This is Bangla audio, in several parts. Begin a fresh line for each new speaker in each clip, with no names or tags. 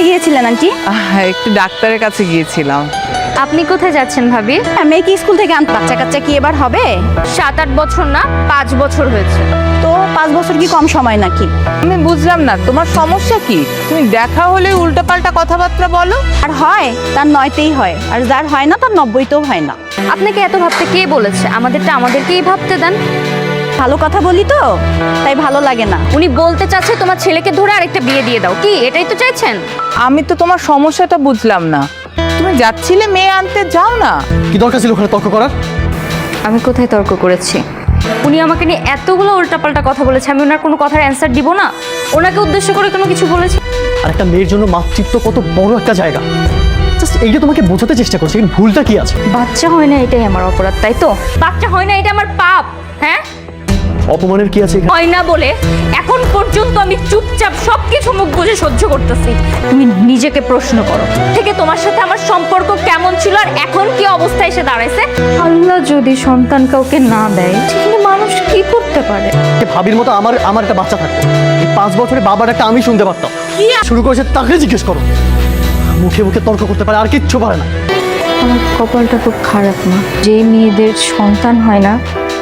কোথায় গিয়েছিলেন আন্টি?
একটু ডাক্তারের কাছে গিয়েছিলাম।
আপনি কোথায় যাচ্ছেন ভাবি?
মেয়ে কি স্কুল থেকে আনতে? বাচ্চা কাচ্চা কি এবার হবে?
7-8 বছর না 5 বছর হয়েছে।
তো 5 বছর কি কম সময় নাকি?
আমি বুঝলাম না তোমার সমস্যা কি? তুমি দেখা হলে উল্টাপাল্টা কথাবার্তা বলো।
আর হয় তার 9তেই হয়, আর যার হয় না তার 90তেও হয় না।
আপনাকে এত ভাবতে কে বলেছে? আমাদেরটা আমাদেরকেই ভাবতে দেন।
ভালো কথা বলি তো তাই ভালো লাগে না।
উনি বলতে চাচ্ছে তোমার ছেলেকে ধরে আরেকটা বিয়ে দিয়ে দাও, কি এটাই তো চাইছেন?
আমি তো তোমার সমস্যাটা বুঝলাম না। তুমি যাচ্ছিলে মেয়ে আনতে, যাও না।
কি দরকার ছিল ওখানে তর্ক করার?
আমি কোথায় তর্ক করেছি? উনি আমাকে নিয়ে এতগুলো উল্টাপাল্টা কথা বলেছে, আমি ওনার কোনো কথার অ্যান্সার দিব না? ওনাকে উদ্দেশ্য করে কোনো কিছু বলেছি?
আর একটা মেয়ের জন্য মাতৃত্ব কত বড় একটা জায়গা, জাস্ট এইটা তোমাকে বোঝাতে চেষ্টা করছি। কিন্তু ভুলটা কি আছে?
বাচ্চা হয় না এটাই আমার অপরাধ, তাই তো? বাচ্চা হয় না এটা আমার পাপ, হ্যাঁ?
অপমানের কি আছে?
হয় না বলে এখন পর্যন্ত আমি চুপচাপ সবকিছু মুখ বুজে সহ্য করতেছি। তুমি নিজেকে প্রশ্ন করো থেকে তোমার সাথে আমার সম্পর্ক কেমন ছিল আর এখন কি অবস্থায় এসে দাঁড়াইছে। আল্লাহ যদি সন্তান কাউকে না দেয় তাহলে মানুষ কি করতে পারে?
ভাবির মতো আমার একটা বাচ্চা থাকতো, এই 5 বছরে বাবার একটা আমি শুনতে পারতাম। শুরু করেছে তাকে জিজ্ঞেস করো। মুখে মুখে তর্ক করতে পারে, আর কিচ্ছু পারে না।
আমার কপালটা খুব খারাপ না, যে মেয়েদের সন্তান হয় না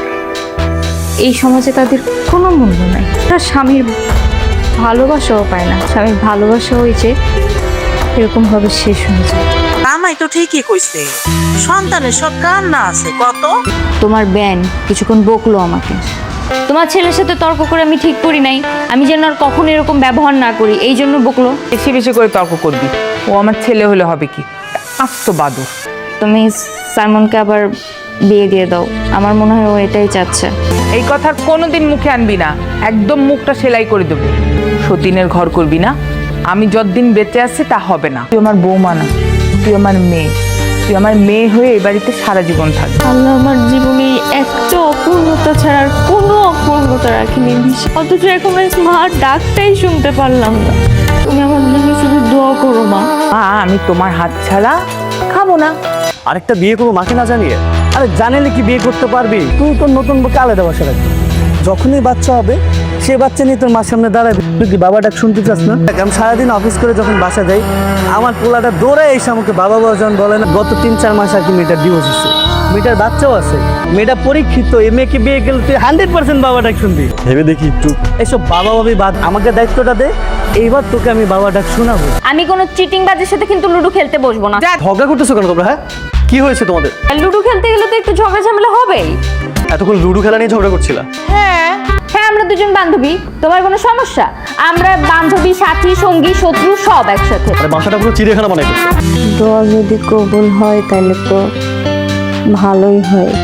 এই সমাজে তাদের কোনো মূল্য নাই। তার স্বামীর ভালোবাসাও পায় না, স্বামীর ভালোবাসাও ওই যে এরকমভাবে শেষ হয়ে যায়।
আমায় তো ঠিকই কইছে, সন্তানের সব কান্না আছে কত।
তোমার ব্যান কিছুক্ষণ বকলো আমাকে। তোমার ছেলের সাথে তর্ক করে আমি ঠিক করি নাই, আমি যেন আর কখনো এরকম ব্যবহার না করি, এই জন্য বকলো।
বেশি বেশি করে তর্ক করবি, ও আমার ছেলে হলে হবে কি? আস্ত বাদুর।
তুমি সাইমনকে আবার বিয়ে দিয়ে দাও, আমার মনে হয় ও এটাই চাচ্ছে।
এই কথার কোনোদিন মুখে আনবি না, একদম মুখটা সেলাই করে দেবো। সতীনের ঘর করবি না, আমি যতদিন বেঁচে আছি তা হবে না। তুই আমার বৌমা না, তুই আমার মেয়ে। তুই আমার মেয়ে হয়ে এই বাড়িতে সারা জীবন থাকবি।
আল্লাহ আমার জীবনে একটা অপূর্ণতা ছাড়া আর কোনো অপূর্ণতা রাখিনি, অথচ এখন মার ডাকটাই শুনতে পারলাম না। তুমি আমার জন্য শুধু দোয়া করো মা।
আমি তোমার হাত ছাড়া খাবো না।
আরেকটা বিয়ে করবো মাকে না জানিয়ে? আরে জানালে কি বিয়ে করতে পারবি? তুই তোর নতুন বউকে আলাদা বাসা রাখবি। যখনই বাচ্চা হবে সে বাচ্চা নিয়ে তোর মার সামনে দাঁড়াবি। তুই কি বাবা ডাক শুনতে চাস না? আমি সারাদিন অফিস করে যখন বাসা যাই, আমার পোলাটা দৌড়ে এসে আমাকে বাবা বাবা যখন বলে না। গত 3-4 মাস আর কি মেয়েটার ডিভোর্স হচ্ছে, মেয়েটার বাচ্চাও আছে। মেয়েটা পরীক্ষিত, এই মেয়েকে বিয়ে গেলে তুই 100% বাবা ডাক শুনবি। ভেবে দেখি একটু, এসব বাবা বাবি বাদ, আমাকে দায়িত্বটা দে। এইবার তোকে আমি বাবা ডাক শোনাবো।
আমি কোনো চিটিং বাজের সাথে কিন্তু লুডো খেলতে বসবো না।
ঝগড়া করতেছো কেন তোমরা? হ্যাঁ, কি হয়েছে তোমাদের?
লুডো খেলতে গেলে তো একটু ঝগড়া ঝামেলা হবেই।
এতক্ষণ লুডো খেলা নিয়ে ঝগড়া করছিলা?
হ্যাঁ, আমরা দুজন বান্ধবী, তোমার কোনো সমস্যা? আমরা বান্ধবী, সাথী, সঙ্গী, শত্রু সব একসাথে।
আরে বাসাটা পুরো চিড়িয়াখানা বানাই ফেলছো।
দোয়া যদি কবুল হয় তাহলে তো ভালোই হয়।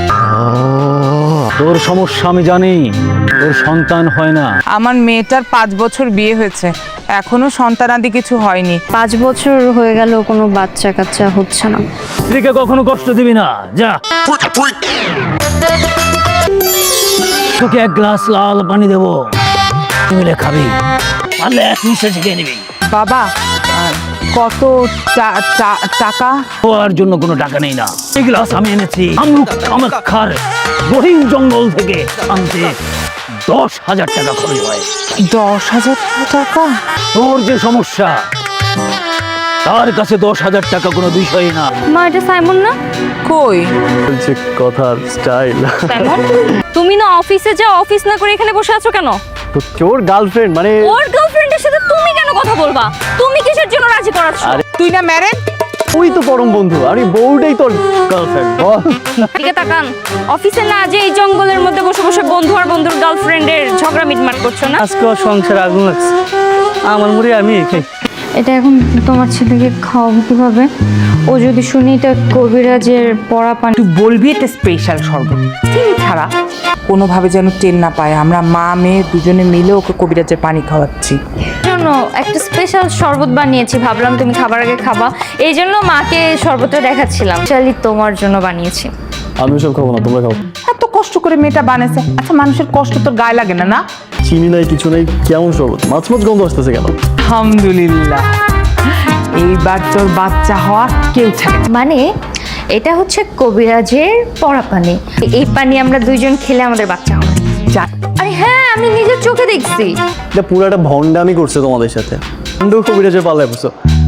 তোর সমস্যা আমি জানি, তোর সন্তান হয় না।
আমার মেয়েটার 5 বছর বিয়ে হয়েছে, এখনো সন্তানাদি কিছু হয়নি।
5 বছর হয়ে গেল কোনো বাচ্চা কাচ্চা হচ্ছে না।
স্ত্রীকে কখনো কষ্ট দিবি না, যা। তোকে 1 গ্লাস লাল পানি দেবো, মিলে খাবি, পারলে 1 নিঃশ্বাসে খেয়ে নিবি।
বাবা, কত টাকা?
খাওয়ার জন্য কোনো টাকা নেই না। এই গ্লাস আমি এনেছি আমরুক কামাখ্যার গহীন জঙ্গল থেকে, আনতে 10,000 টাকা খরচ হয়।
10,000 টাকা?
তোর যে সমস্যা, তার কাছে 10,000 টাকা কোনো বিষয় না।
মা, এটা সাইমন না?
কই?
বলছে কথার স্টাইল।
সাইমন, তুমি না অফিসে যাও, অফিস না করে এখানে বসে আছো কেন?
তো তোর গার্লফ্রেন্ড মানে?
ওর গার্লফ্রেন্ডের সাথে তুমি কেন কথা বলবা? তুমি কিসের জন্য রাজি করাচ্ছ?
তুই না ম্যারেড?
তুই তো পরম বন্ধু, আর এই বউটাই তোর গার্লফ্রেন্ড। বল।
দিকে তাকান, অফিসে না যে এই জঙ্গলের মধ্যে বসে বসে বন্ধু আর বন্ধুর গার্লফ্রেন্ডের ঝগড়া মিটমাট করছো না?
আজকে ওর সংসার আগুন লাগছে, আমার মুড়ি আমি খাই।
এটা এখন তোমার ছেলেকে খাওয়াবো কিভাবে? ও যদি শুনি এটা কবিরাজের পড়া পানি।
তুই বলবি এটা স্পেশাল শরবত, চিনি ছাড়া, কোনোভাবে যেন টের না পায়। আমরা মা মেয়ে দুজনে মিলে ওকে কবিরাজের পানি খাওয়াচ্ছি।
জন্য একটা স্পেশাল শরবত বানিয়েছি, ভাবলাম তুমি খাবার আগে খাবা, এই জন্য মাকে শরবতটা দেখাচ্ছিলাম। চালি তোমার জন্য বানিয়েছি।
আমি সব খাবো না, তোমরা খাও।
এত কষ্ট করে মেয়েটা বানাইছে, আচ্ছা মানুষের কষ্ট তোর গায়ে লাগে না? না,
চিনি নাই কিছু নাই, কেমন শরবত? মাছ মাছ গন্ধ আসতেছে কেন?
আলহামদুলিল্লাহ, এইবার তোর বাচ্চা হওয়ার কেউ থাকে।
মানে এটা হচ্ছে কবিরাজের পড়া পানি, এই পানি আমরা দুইজন খেলে আমাদের বাচ্চা হবে। আরে হ্যাঁ, আমি নিজের চোখে দেখছি।
এটা পুরো একটা ভণ্ডামি করছে তোমাদের সাথে। কবিরাজের পাল্লায় বসো।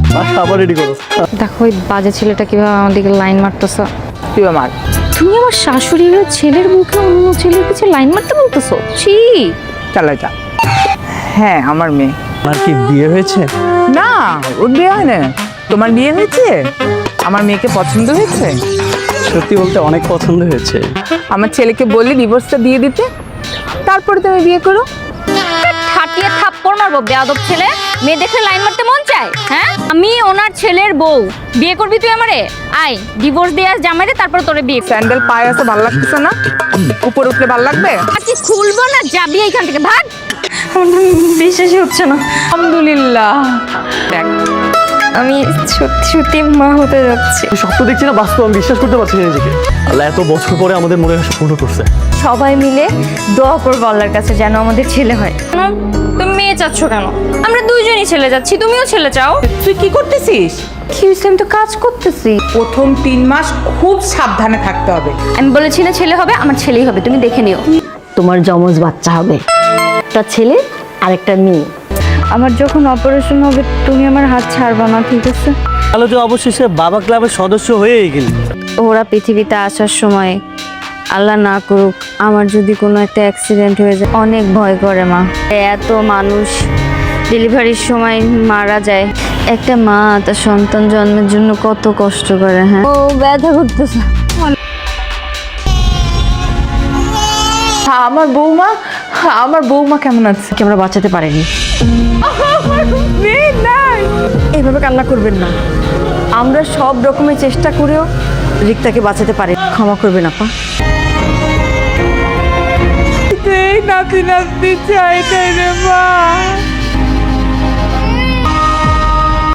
বাসা আবার রেডি করো।
দেখো ওই বাজে ছেলেটা কিভাবে আমাদেরকে লাইন মারতেছে।
তুই আমার
তুমি আমার শাশুড়ির ছেলের মুখে অন্য ছেলের পিছে লাইন মারতে বলতেছো? ছি।
চালা যা। হ্যাঁ আমার মেয়ে।
আর কি বিয়ে হয়েছে?
না ওর বিয়ে হয় না। তোমার বিয়ে হয়েছে? আমার মেয়েকে পছন্দ হয়েছে?
সত্যি বলতে অনেক পছন্দ হয়েছে।
আমার ছেলেকে বললি ডিভোর্সটা দিয়ে দিতে, তারপরে তুমি বিয়ে করো।
ঠাটিয়ে থাপ্পড় মারবো বেয়াদব ছেলে। মেয়ে দেখে লাইন মারতে মন চায়? হ্যাঁ, আমি ওনার ছেলের বউ। বিয়ে করবি তুই আমারে? আয় ডিভোর্স দিয়ে আস জামাইরে, তারপর তোরে বিয়ে।
স্যান্ডেল পায়ে আছে, ভালো লাগতেছে না? উপর উঠলে ভালো লাগবে?
আজকে খুলবো না, যাবি এইখান থেকে, ভাগ। বিশ্বাসই হচ্ছে না।
আলহামদুলিল্লাহ। দেখ
আমি সত্যি সত্যি মা হতে যাচ্ছি।
স্বপ্ন দেখছি না, বাস্তব আমি বিশ্বাস করতে পারছি না নিজেকে। আল্লাহ এত বছর পরে আমাদের মনে আশা পূর্ণ করছে।
সবাই মিলে দোয়া করবো আল্লাহর কাছে যেন আমাদের ছেলে হয়। তুমি মেয়ে চাচ্ছ কেন? আমরা দুইজনই ছেলে যাচ্ছি, তুমিও ছেলে চাও।
তুই কি করতেছিস?
কি হয়েছে? আমি তো কাজ করতেছি।
প্রথম 3 মাস খুব সাবধানে থাকতে হবে।
আমি বলেছি না ছেলে হবে, আমার ছেলেই হবে, তুমি দেখে নিও।
তোমার যমজ বাচ্চা হবে, একটা ছেলে আর একটা মেয়ে। আমার যখন অপারেশন হবে তুমি আমার হাত ছাড়বা না, ঠিক আছে?
তাহলে তো অবশেষে বাবা ক্লাবের সদস্য হয়েই গেলি।
ওরা পৃথিবীতে আসার সময় আল্লাহ না করুক আমার যদি কোনো একটা অ্যাক্সিডেন্ট হয়ে যায়, অনেক ভয় করে মা। এত মানুষ ডেলিভারির সময় মারা যায়, একটা মা তার সন্তান জন্মের জন্য কত কষ্ট করে। হ্যাঁ, ও ব্যথা করতেছে।
আমার বৌমা কেমন আছে?
আমরা বাঁচাতে পারিনি।
মেয়ে নাই।
এইভাবে কান্না করবেন না। আমরা সব রকমের চেষ্টা করেও রিক্তাকে বাঁচাতে পারি। ক্ষমা করবেন আপা।
নাতি নাতি চাই রে মা।